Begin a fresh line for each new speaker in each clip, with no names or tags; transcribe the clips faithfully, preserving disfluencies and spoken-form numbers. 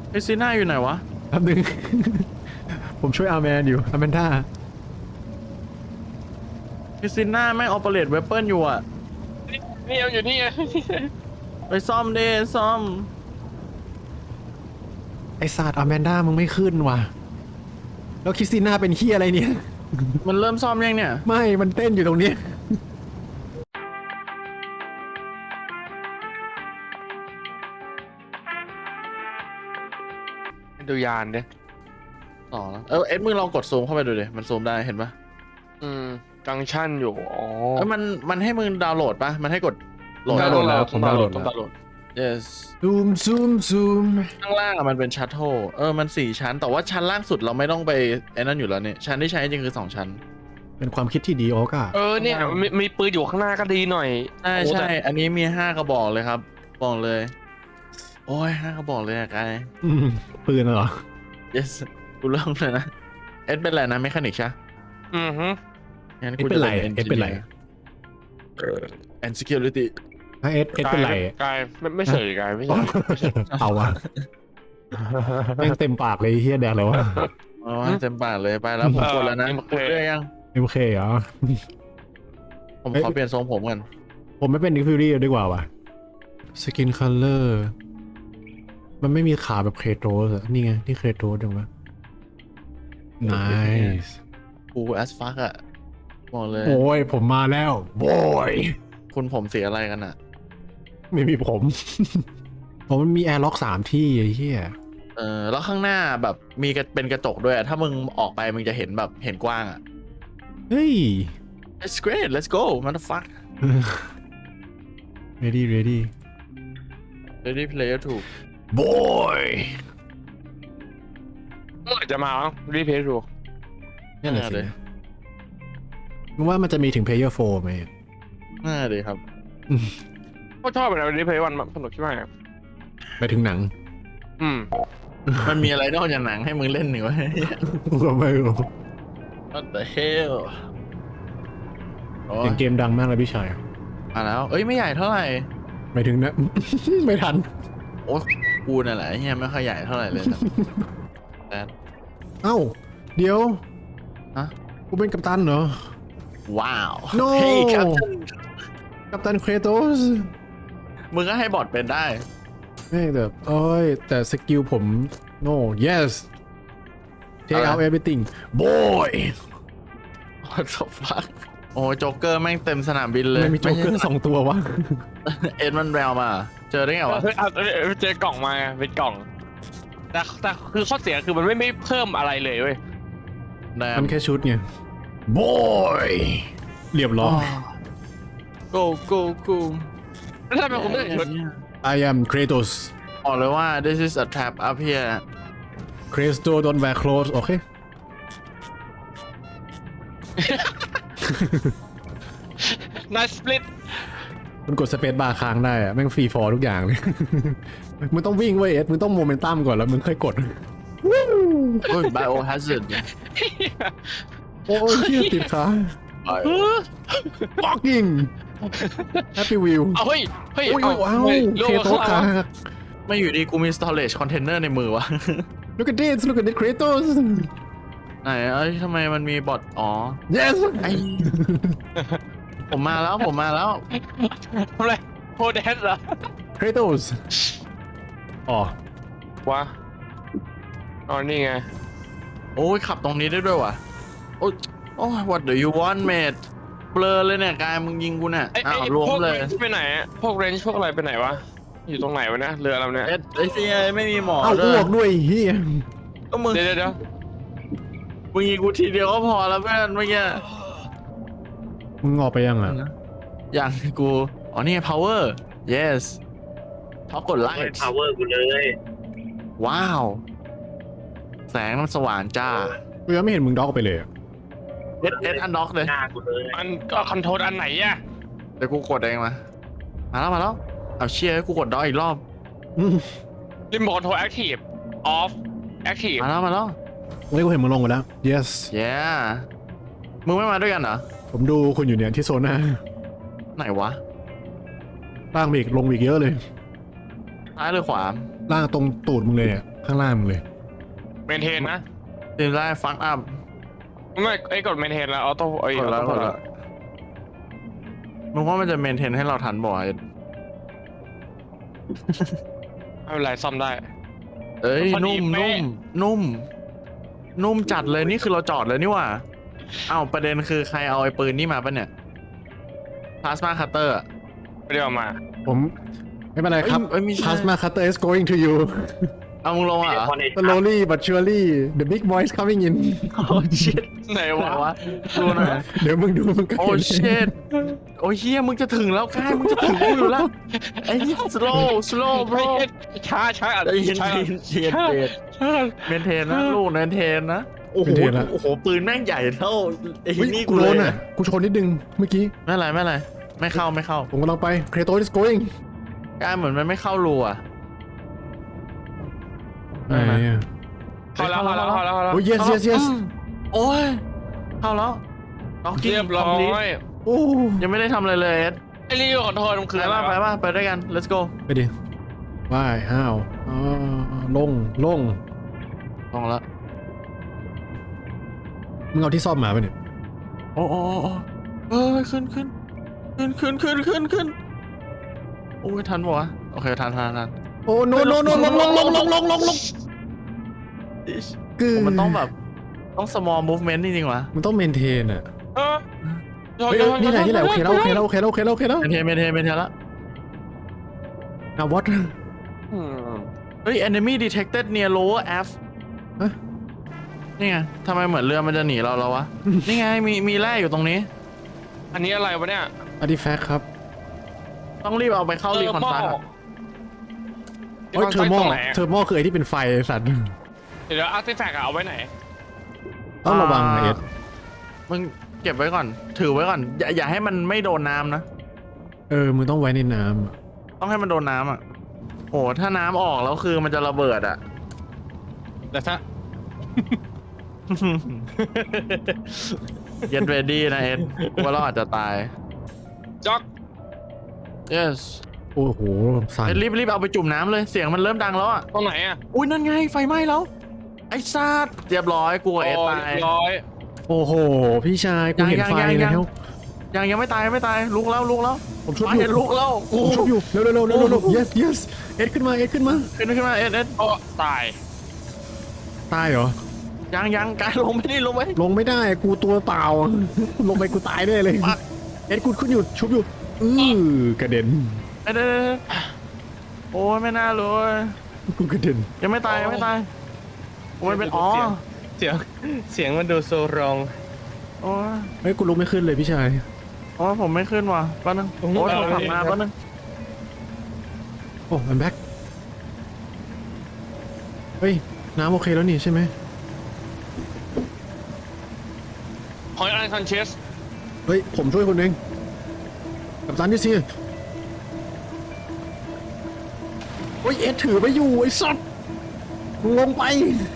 ไอซีน่าอยู่ไหนวะ
แป๊บนึง ผมช่วยอาร์แมนอยู่อาร์แมนด้า
ไอซีน่าไม่ออเปเรตเวเปิลอยู่อ่ะ
นี่เอาอยู่นี่ไง
ไปซ่อมดิซ่อม
ไอศาสตร์อาร์แมนด้ามึงไม่ขึ้นว่ะแล้วคริสติน่าเป็นเฮียอะไรเนี่ย
มันเริ่มซ่อมยังเนี่ย
ไม่มันเต้นอยู่ตรงนี้
ดูยานดิ
ต่อแล้วเออเอ็ดมึงลองกดซูมเข้าไปดูดิมันซูมได้เห็นปะ
อืมจังชั่นอยู่อ๋อ
เออมันมันให้มึงดาวน์โหลดปะมันให้กดโหลด
ดาวน์โหลดแล้วผมดาวน์โหลด
ต้อง
แล้ว
ดาวน์โหลด
yes
ซูมซูมซูม
ข้างล่างอะมันเป็นชัตเทิลเออมันสี่ชั้นแต่ว่าชั้นล่างสุดเราไม่ต้องไปไอ้นั่นอยู่แล้วเนี่ยชั้นที่ใช้จริงคือสองชั้น
เป็นความคิดที่ดีโอ๊กอะ
เออเนี่ยมีมีปืนอยู่ข้างหน้าก็ดีหน่อย
ใช่
โอ้
ใช่
แต่
อันนี้มีห้ากระบอกเลยครับบอกเลย โอ้ยห้ากระบอกเลยอะกาย
อืมปืนเหรอ
yes กูเริ่มเลยนะเอ็ดเป็นอะไรนะเมคานิกใช่
อือฮึ
งั้น
เอ็ด
กู
เป็
จะ
นไร
เป็น
เอ็ดเป็นไร
and security
ถ้าเอ็ดเอ็ดเป็นไร
กายไม่ไม่เสยกายไม่เสยไม่เสย
เอาวะแม่งเต็มปากเลยเฮียแดกเลยวะ
อ๋อเต็มปากเลยไปแล้วผมกดแล้วนะกดเรื่อยยัง
เอ็มเคเหรอ
ผม
เอ้ย
ขอเปลี่ยนทรงผมกัน
ผมไม่เป็นนิกฟิวรี่ดีกว่าวะสกินคัลเลอร์มันไม่มีขาแบบเคโตสอะนี่ไงนี่เคโตสจังวะ nice
กู as fuck อะบอกเลย
โอ้ยผมมาแล้วโว้ย
คุณผมเสียอะไรกันอะ
ไม่มีผม ผมมันมีแอร์ล็อกสามที่ไอ้เหี้ย
เออแล้วข้างหน้าแบบมีกระเป็นกระจกด้วยอะถ้ามึงออกไปมึงจะเห็นแบบเห็นกว้างอะ
เฮ้ย
it's great let's go motherfuck
ready ready
ready player ถูก
boy
เมื่อไหร่จะมารีเพย์ดู
นี่แหละ
น่า
สิ
เลย
มึงว่ามันจะมีถึง player โฟร์ไหม
น่าเลยครับ
ก็ชอบนะรีเพย์วันสนุกใช่ไหม
ไปถึงหนัง
อืม
มันมีอะไรนอกจากหนังให้มึงเล่นหนึ่งวะ
กูก็ไม่รู้
What the hell โอ้
เสียงเกมดังมากเลยพี่ชาย
มาแล้วเอ้ยไม่ใหญ่เท่าไหร่
ไปถึงนะ ไม่ทัน
โอ้กูนั่นแหละเฮียไม่ค่อยใหญ่เท่าไหร่เลยนะแต่
เอ้า เดี๋ยว
ฮะ
กูเป็นกัปตันเหรอ
ว้าว
No
เฮ้ยครับ
กัปตันเครโตส
มึงก็ให้บอทเป็นได้
ไม่แต่โอ้ย แต่สกิลผม no yes take out everything boy
What the fuck โอ้โจ๊กเกอร์แม่งเต็มสนามบินเลย
ไม่มีโจ๊กเกอร์สองตัววะ
เอ็ดมันแววมา เจอได้ไงวะ
เฮ้ยเอาเอาเอาเจอกล่องมาไงเป็นกล่อง แต่แต่คือข้อเสียคือมันไม่ไม่เพิ่มอะไรเลยเว้ย
แดม
มันแค่ชุดไง boy เรียบร้อย
go go go
แล้วทำไมคุณไม่ใส่ชุด
I am Kratos
บอกเลยว่า this is a trap up here
Kratos don't wear clothes โอเค
นายสปลิต
มันกดสเปซบาร์ค้างได้อะแม่งฟรีฟอร์ทุกอย่างเลย มึงต้องวิ่งเว้ยเอ็ดมึงต้องโมเมนตัมก่อนแล้วมึงค่อยกด
โอ้ย biohazard
โอ้ยเชี่ยติดขา fucking happy wheel
เอาเฮ้ยเฮ้ย
โอ้ย
เอา
ว้าว
ฮ้ย
เคโตสขา
ไม่อยู่ดีกูมี storage container ในมือวะ
look at this look at this Kratos
ไหนเอ้ยทำไมมันมีบอทอ๋อ
yes
ไอผมมาแล้วผมมาแล้ว
ทำไรโฮเดสเหรอ
Kratos อ๋อ
วะอ๋อนี่ไง
โอ้ยขับตรงนี้ได้ด้วยวะโอ้ยโอ้ย what do you want mate เบลอเลยเนี่ยกายมึงยิงกูเนี่ย
ไอ้
อ้า
ไอ้
วรวม
พวก
เล
เร
ย
นจ์ไปไหนอะพวกเรนจ์พวกอะไรไปไหนวะ อยู่ตรงไหนวะเนี่ยเรือเราเนี่ย
เอ็ดไอซีไม่มีหมอ
เอา
ด้
อ้
ว
วย กด้วยเฮีย
ก็มึง
เดี๋ยวเดี๋ยวเดี๋ยว
มึงยิงกูทีเดียวก็พอแล้วเพื่อนเมื่อกี้
มึงออกไปยังอ่ะ
อย่างกู อ๋อนี่ power yes ท็อปกดไลท์
power กูเลย
ว้าว แสงมันสว่างจ้า
กูยังไม่เห็นมึงด็อกไปเลยอะ
เอ็ดเอ็ดอันด็อกเลย
หน้ากูเลย
มันก็คอนโทรลอันไหนอะ
เดี๋ยวกูกดเองมา มาแล้วมาแล้ว เอาเชียร์กูกดด็อกอีกรอบ
อืม
รีโมทคอนโทรลแอคทีฟออฟแอคทีฟ
มาแล้วมาแล้ว
เฮ้ยกูเห็นมึงลงไปแล้ว yes
yeah มึงไม่มาด้วยกันเหรอ
ผมดูคุณอยู่เนี่ยที่โซน่า
ไหนวะ
ล่างไปอีกลงไปอีกเยอะเลย
ซ้ายหรือขวา
ล่างตรงตูดมึงเลยเนี่ยข้างล่างมึงเลย
เมนเทนนะ
ตีได้ฟักอัพ
ไม่ไอ้กดเมนเทนแล้วออโต้ไอ้
กดแล้ว
ออก โต้
ดแล้วมึงว่ามันจะเมนเทนให้เราทันบ่อย
ไม่เป็นไรซ่อมได้
เอ้ย
พอดี
นุ่ม
เป๊ะ
นุ่มนุ่มนุ่มจัดเลยนี่คือเราจอดเลยนี่หว่าอ้าวประเด็นคือใครเอาไอ้ปืนนี่มาปะเนี่ยพลาสมาคัตเตอร์
ไม่ได้เอามา
ผมไม่เป็นไรครับ
เอ้ยไม่ใช่
Plasma cutter is going to you
เอามึงลงอ่ะเหรอ
slowly but surely the big boy is coming in
โอ้ชิต
ไหน
ไหน
วะ
วะดูหน่อย
เดี๋ยวมึงดูมึงก็
โอ้
เห็น
ชิตโอ้เฮียมึงจะถึงแล้วกายมึงจะถึงกูอยู่แล้วไอ้เหี้ย slow slow bro
ช้าช้าอ่ะ
ใจเย็น
ช้า
เย็นเย็นเย็น
ช้า
เมนเทนนะลูกเมนเทนนะโอ้โหโอ้โหปืนแม่งใหญ่เท่าไอ้
เฮ้ย
นี่
กู
กู
โด
เลย
นอ่ะ กูชนนิดนึงเมื่อกี้
ไม่เป็นไรไม่เป็นไรไม่เข้าไม่เข้า
ผมกำลังไป Kratos is going
กายเหมือนมันไม่เข้ารูอ่ะ
ไหนอ่ะ
เข้าแล้วเข้าแล้วเข้าแล้วเข้าแล้ว
โอ้ย yes yes yes
อืมโอ้ยเข้าแล้วล็อกกิ้ง
เรียบร้อย
โอ้
ยังไม่ได้ทำอะไรเลยเอ็ด
ไอ้นี่ขอโทษมันคือ
ไป
อะไร
ป่ะไป
วะ
ป่ะไปด้วยกัน let's go
ไปดิว่ายห้าวอ๋อลงลง
ลองละ
มึงเอาที่ซ่อมมาไปะเนี่ย
โอ้โอ้โอ้โอ้เอ้ยขึ้นขึ้นขึ้นขึ้นขึ้นขึ้นขึ้นโอ้ยทันปะวะโอเคทันทันทัน
โอ้ no no no ลงลงลงลงลงลงลงคือ
มันต้องแบบต้อง small movement จริงๆวะ
มันต้องเมนเทนอ่ะ
เออ
เฮ้ยเอ้ยนี่แหละนี่แหละโอเคแล้วโอเคแล้วโอเคแล้วโอเคแล้วโอเคแล้ว
เมนเทนเมนเทนเมนเทนละ
อ่ะ what
อืม
เฮ้ย enemy detected near lower F
ฮะ
นี่ไงทำไมเหมือนเรือมันจะหนีเราแล้ววะ นี่ไงมีมีแร่อยู่ตรงนี้
อันนี้อะไรวะเนี่ย
artifact ครับ
ต้องรีบเอาไปเข้ารีคอนซัลท์
เฮ้ยเทอร์โม
ตรงไหน
เทอร์โมคือไอ้ที่เป็นไฟไอ้สัตว์
เดี๋ยวอาร์ติแฟกต์เอาไว้ไหน
ต้องระวังนะเอ็ด
มึงเก็บไว้ก่อน ถือไว้ก่อน อย่าอย่าให้มันไม่โดนน้ำนะ
เออมึงต้องไว้ในน้ำอะ
ต้องให้มันโดนน้ำอ่ะโอ้ถ้าน้ำออกแล้วคือมันจะระเบิดอ่ะ
แต่ถ้า
Get ready นะเอ็ดกูว่าเราอาจจะตาย
จ็อก
yes
โอ้โหสั่น
เอ็ดรีบรีบเอาไปจุ่มน้ำเลย เสียงมันเริ่มดังแล้วอ่ะ
ตรงไหนอ่ะ
อุ้ยนั่นไงไฟไหม้แล้ว ไอ้ซาดเรียบร้อยกูกับเอ็ด
โอ้
ตาย
เรียบร้อย
โอ้โหพี่ชายกูเห็น
ยัง
ไฟ
ยังยัง
แล้ว
ยังยังไม่ตายยังไม่ตายลุกแล้วลุกแล้ว
ผมชุบ
ไฟ
อยู่
เห็นลุกแล้ว
ผมชุบอยู่เร็วเร็วเร็วเร็วเร็ว yes yes เอ็ดขึ้นมาเอ็ดขึ้นมา
ขึ้นขึ้นมาเอ็ดเอ็ด
โอ้ตาย
ตายเหรอ
ยังยังกายลงไม่ได้ลงไป
ลงไม่ได้กูตัวเปล่า ลงไปกูตายแน่เลย
ปัก
เอ็ดกูขึ้นอยู่ชุบอยู่อือกระเด็น
เอ็ดเอ็ดเอ็ดโอ้ยไม่น่าเลย
กูกระเด็น
ยังไม่ตายยังไม่ตายโอ้ยเป็นอ๋อ
เสียงเสียงมันดูโซรอง
โอ้ย
เฮ้ยกูลุกไม่ขึ้นเลยพี่ชาย
โอ้ยผมไม่ขึ้นว่ะแป๊บนึงโอ้ยโทรศัพท์มาแป๊บนึง
โอ้ I'm back เฮ้ยน้ำโอเคแล้วนี่ใช่ไหม
หอยอันคอนเชส
เฮ้ยผมช่วยคนเองกับตันที่ซีโอ้ยเอ็ดถือไปอยู่ไอ้สัตว์มึงลงไป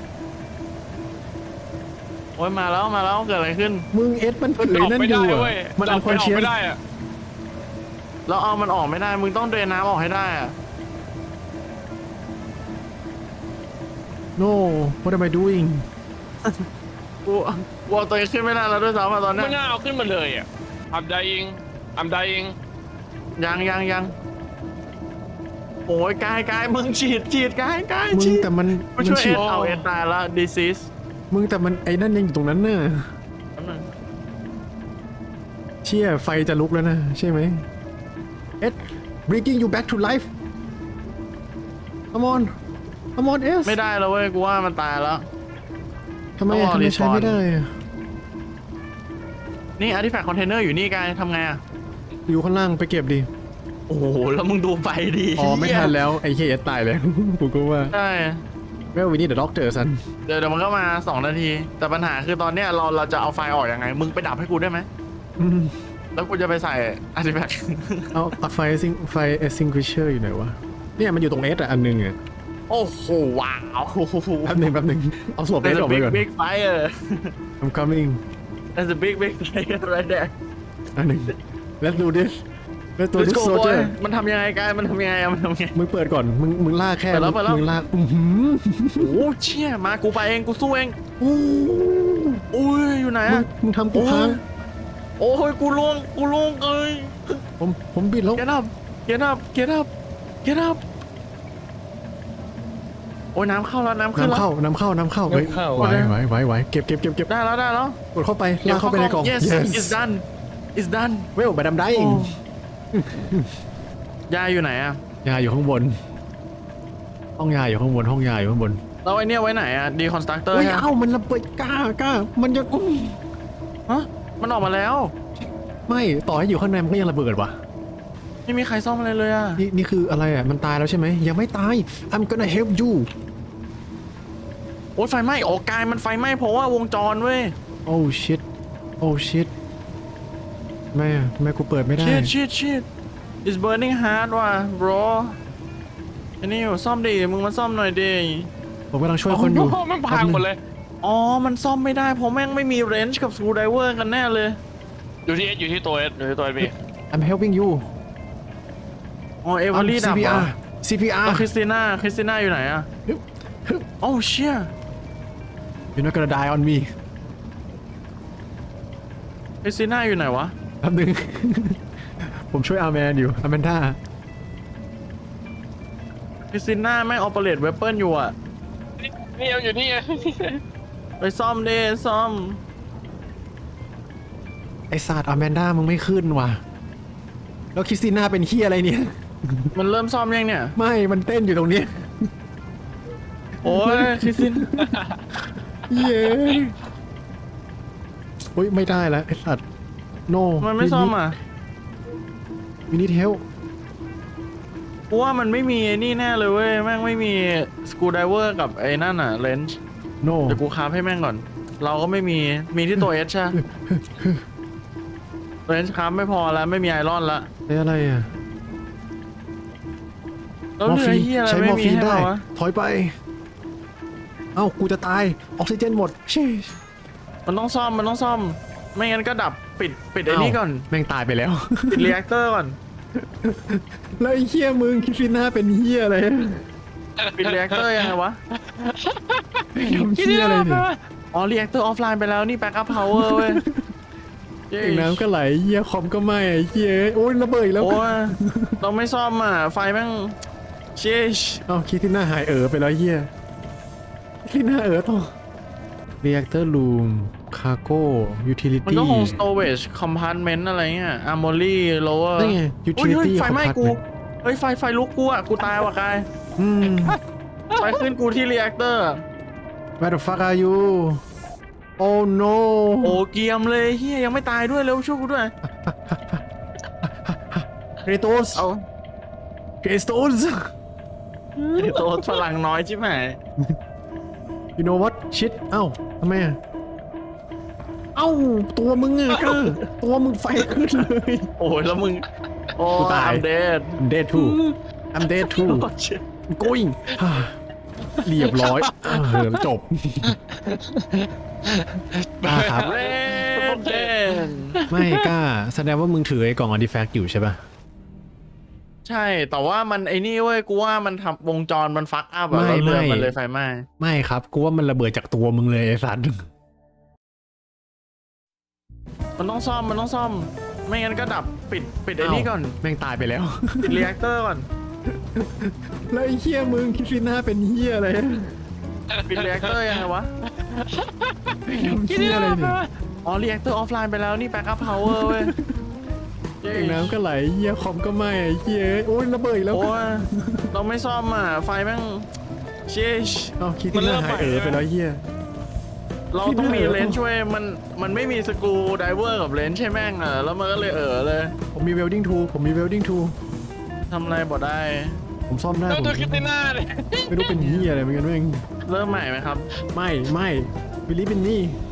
โอ้ยมาแล้วมาแล้วเกิดอะไรขึ้น
มึงเอ็ดมันถือ
ออก
นั่น
ไม่
อ
ได้
ยู่
เว้ย
อะมันอันคอนเชียส
ไม่ได้อะ
แล้วเอามันออกไม่ได้มึงต้องเดรนน้ำออกให้ได้อะ
no what am I doing
กูกูเอาตัวเองขึ้นไม่ได้แล้วด้วยซ้ำอะตอนเนี้
ไม่
ย
น่าเอาขึ้นมาเลยอ่ะอัมไดอิงอัมไดอิง
ยังยังยังโอ้ยกายกายมึงฉีดฉีดกายกาย
มึง
ฉีด
แต่มัน
กูช่วย
ฉี
เอ็
ด
ดเอาเอ็ดตายละ disease
มึงแต่มันไอ้นั่นยังอยู่ตรงนั้นน่ะ
แป๊บนึง
เชี่ยไฟจะลุกแล้วนะใช่ไหมเอ็ด bringing you back to life come on come on เอส
ไม่ได้แล้วเว้ยกูว่ามันตายแล้ว
ทำไม
ต้องรอ
อะทำไมใช้
respawn
ไม่ได้อะ
นี่ artifact container อยู่นี่กายทำไงอะ
อยู่ข้างล่างไปเก็บดิ
โอ้โหแล้วมึงดูไปดี
อ๋อไม่ทันแล้วไอ้เฮียตายแล้ว กูก็ว่า
ใช่
well we need the doctor สัน
เดี๋ยวเดี๋ยวมันก็มาสองนาที แต่ปัญหาคือตอนเนี้ยเราเราจะเอาไฟออกยังไง มึงไปดับให้กูได้ไหม
อืม
แล้วกูจะไปใส่ artifact
เอาเอาไฟซิงไฟ extinguisher อยู่ไหนวะเนี่ยมันอยู่ตรงเอสอะอันหนึงอะ
โอ้โหว้าว
แป๊บหนึงแป๊บหนึงเอาสวบเอ
There's
สอ
a
อกไป
big
ก่อน
big fire
I'm coming
There's a big big fire right there
อันหนึ่ง let's do this แล้วตัว
Let's
ดิส
go
โซเจอ
boy
ร์
มันทำยังไงกายมันทำยังไงอะมันทำยังไง
มึงเปิดก่อนมึงมึงลากแค่
เปิดแล้วเปิดแล้ว
มึงลากอื้อหือ
โอ้เชี่ยมากูไปเองกูสู้เอง
โอ้
อุ้ยอยู่ไหน
มึง
อะ
มึงทำกู
โอ้
พัง
ยโอ้ยกูลงกูลงเอ้ย
ผมผมบิดแล้ว
get up get up get up get up โอ้ยน้ำเข้าแล้วน้ำขึ้น
น้ำ
แล้ว
เข้าน้ำเข้าน้ำเข้าเฮ้ย
น้ำเข้า
ไหวไหวไหวไหวเก็บเก็บเก็บเก็บ
ได้แล้วได้แล้ว
กดเข้าไปลากเข้าไปในกล่อง
yes it's done it's done
เวลบัดดำได้
โอ้ยายอยู่ไหนอะ
ยาอยู่ข้างบน ห้องยาอยู่ข้างบนห้องยาอยู่ข้างบน
แล้วไอเนี้ยไว้ไหนอะดีคอนสตรักเตอร์
เฮ้ย
ฮะ
เอ้ามันระเบิดกล้ากล้ามันยังอื้อ
ฮะมันออกมาแล้ว
ไม่ต่อให้อยู่ข้างในมันก็ยังระเบิดว่ะ
ไม่มีใครซ่อมอะไรเลยอะ
นี่นี่คืออะไรอ่ะมันตายแล้วใช่ไหมยังไม่ตาย I'm gonna help you
โอ้ยไฟไหม้โอ้กายมันไฟไหม้เพราะว่าวงจรเว้ย
oh shit oh shit แม่แม่กูเปิดไม่ได้
shit shit shit it's burning hard ว่ะ bro อันนี้อยู่ซ่อมดิมึงมาซ่อมหน่อยดิ
ผมกำลังช่วยคนอยู่
โอ้โหมันพังหมดเลย
อ๋อมันซ่อมไม่ได้เพราะแม่งไม่มีเรนจ์กับสกรูไดเวอร์กันแน่เลย
อยู่ที่เอสอยู่ที่ตัวเอสอยู่ที่ตัวเอสพี่
I'm helping you
อ๋อเอเวอรี่ดับ
ซี
เหรอ
พี อาร์
แล้วคริสติน่าคริสติน่าอยู่ไหนอะโอ้เชี่ย
You're not gonna die on me
คริสติน่าอยู่ไหนวะ
แป๊บนึง ผมช่วยอาร์แมนอยู่อาร์แมนด้า
คริสติน่าแม่งออเปเรตเวเปิลอยู่อะ
นี่เอาอยู่นี่ไง
ไปซ่อมดิซ่อม
ไอศาสตร์อาร์แมนด้ามึงไม่ขึ้นว่ะ แล้วคริสติน่าเป็นขี้ยอะไรเนี่ย
มันเริ่มซ่อมยังเนี่ย
ไม่ มันเต้นอยู่ตรงนี้
โอ้ยคริสติน
เย้โอ้ยไม่ได้แล้วไอสัตว์ no
มันไม่ซ่อมอ่ะ
we need help
กูว่ามันไม่มีไอ้นี่แน่เลยเว้ยแม่งไม่มีสกรูไดเวอร์กับไอ้นั่นอ่ะเลนจ์
no
เดี๋ยวกูคราฟให้แม่งก่อน เราก็ไม่มีมีที่ตัวเอชใช่เลนจ์คราฟไม่พอแล้วไม่มีไอรอนละ
ไอ้อะไรอ่ะ
แล้วเรือเฮียอะไร
ใช้ม
ไม่
อร์
มี
ฟีน
ให้
ได้
เราวะ
ถอยไป เอ้า กูจะตาย ออกซิเจนหมดชิ
มันต้องซ่อมมันต้องซ่อม ไม่งั้นก็ดับปิดปิดไอ้นี่ก่อน
แม่งตายไปแล้ว
ปิดรีแอคเตอร์ก่อน
แล้วไอ้เหี้ยมึงคริสติน่าเป็นเหี้ยอะไร
ปิดรีแอคเตอร์ยังไงวะ
ทำเหี้ยอะไรเนี่ย
อ๋อรีแอคเตอร์ออฟไลน์ไปแล้วนี่แบ็กอัพพาวเวอร์เว้ย
เองน้ำก็ไหลเหี้ยคอมก็ไหม้ไอ้เหี้ยโอ้ยระเบิดอีกแล้ว
โอ้ยเราไม่ซ่อมอ่ะไฟแม่งเชช
เอ้าคริสติน่าหายเอ๋อไปแล้วเหี้ยคริสติน่าเอ๋อต่อ reactor room cargo
มัน
utility
ก็คง storage compartment อะไรเงี้ย armory lower
นี่ไง
โอ้ยเฮ้ย
utility
ไฟไหม้กู
compartment
เฮ้ยไฟไฟลุกกูอ่ะกูตายว่ะกาย
อืม
ไฟขึ้นกูที่ reactor อะ
Where the fuck are you Oh no
โอ้เกียมเลยเฮียยังไม่ตายด้วยเร็วช่วยกูด้วย
Kratos
เอา
Kratos
ไอ้ตัวฝรั่งน้อยชิบหาย
You know what shit เอ้าทำไมอะเอ้าตัวมึงอะก็ตัวมึงไฟขึ้นเลย
โอ้ยแล้วมึงโอ้
กูตาย
I'm dead
I'm dead too I'm dead too
โอ้ shit
I'm going ฮ่าเรียบร้อยเออจบกล้าครับ
เรนเดน
ไม่กล้าแสดงว่ามึงถือไอ้กล่อง artifact อยู่ใช่ป่ะ
ใช่แต่ว่ามันไอ้นี่เว้ยกูว่ามันทำวงจรมันฟักอัพอะ
ไม่
แล้วเรือ
ไม่
มันเลยไฟไหม้
ไม่ครับกูว่ามันระเบิดจากตัวมึงเลยไอ้สัตว์
มันต้องซ่อมมันต้องซ่อม ไม่งั้นก็ดับปิดปิดไอ้นี่ก่อน
แม่งตายไปแล้ว
ปิดรีแอคเตอร์ก่อน
แล้วไอ้เหี้ยมึงคริสติน่าเป็นเหี้ยอะไร
ปิดรีแอคเตอร์ยังไงวะ
ทำเหี้ยอะไรเนี่ย
อ๋อรีแอคเตอร์ออฟไลน์ไปแล้วนี่แบ็กอัพพาวเวอร์เว้ย
เองน้ำก็ไหลเหี้ยคอมก็ไหม้ไอ้เหี้ยโอ้ยระเบิดอีกแล้ว
โอ้ยเราไม่ซ่อมอ่ะไฟแม่งเชช
เอ้าคริสติน่าหายเอ๋อไปแล้วเหี้ย
เราต้องมีเลนส์ช่วยมันมันไม่มีสกรูไดเวอร์กับเลนส์ใช่แม่งอ่ะแล้วมันก็เลยเออเลย
ผมมี welding tool ผมมี welding tool
ทำอะไรบ่ได้
ผมซ่อมได้
แล้ว
ผม
ตัวคริสติน่าเลย
ไม่รู้เป็นเหี้ยอะไรเหมือนกันแม่ง
เริ่มใหม่ไหมครับ
ไม่ไม่ believe in me